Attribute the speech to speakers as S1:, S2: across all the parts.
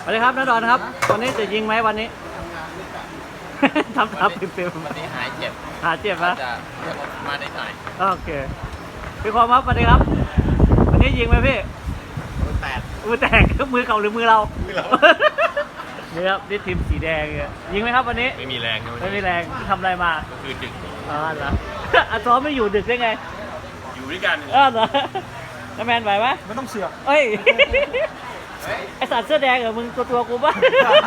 S1: วัสดีครับน้าดอนครับวันนี้จะยิงไหมวันนี้ ทำปิ่ม
S2: วันนี้หายเจ็บ
S1: ๆหาเจ็บนะ
S2: จะเรียกมาได้หน่อย
S1: โอเคพี่ความครับสวัสดีครับ วันนี้ยิงไหมพี่
S2: แปด
S1: มือแตก มือเก่าหรือมือเรา
S2: มือเรา
S1: นี่ครับนี่ทีมสีแดงเนี่ยยิงไหมครับวันนี้
S2: ไม่มีแรงนะ
S1: ไม่มีแรงทำอะไรมา
S2: ก็คือดึก
S1: อ๋อเหรอ อ่ะซ้อมไม่อยู่ดึกได้ไง
S2: อยู่ด้วยกัน
S1: อ้าวเหรอน้าแมนไหวไหม
S3: ไม่ต้องเสือก
S1: เอ้ย ไอสัตว์เสื้อแดงเหรอมึงตัวกูป่ะ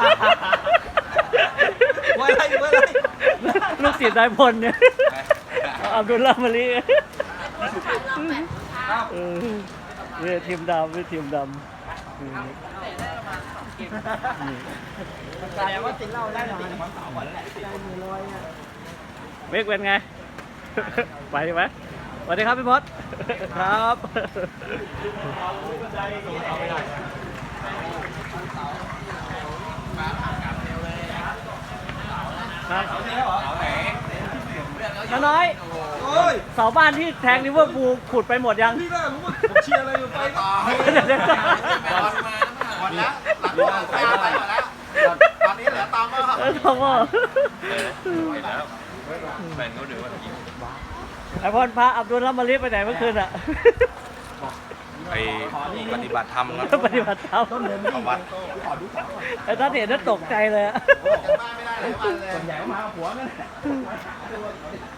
S3: ไว้ไรไว้ไร
S1: ลูกศิษย์นายพลเนี่ยอับดุลลาห์มาลีเออเนี่ยทีมดำนี่ทีมดำอืม
S3: แสดงว่ากินเหล้าได้หน่อย
S1: เมกเป็นไง ไปดีไหมสวัสดีครับพี่มดครับน้าน้อย
S3: โอ้ย
S1: เสาบ้านที่แทงลิเวอร์พูลขุดไปหมดยัง
S3: พี่น่ารู้ว่าผมเชียร์อะไรอยู่ไปก็
S2: หมดแล้วหลังไปหมดแล้วตอนนี้เหลือตามว่า
S1: ทองว่า
S2: ไปแล้วแฟนเขาดูว่ายิง
S1: ไอพรพาอับดุลลาห์มาลีไปไหนเมื่อคืนอ่ะ
S2: ไปปฏิบัติธรรมครับ
S1: ปฏิบัติธรรม
S2: เข้าวัด
S1: ไอ้ท่านเห็นน่าตกใจเลยอะ
S3: ส่วนใหญ่ก็มาหัวนั่นแหละ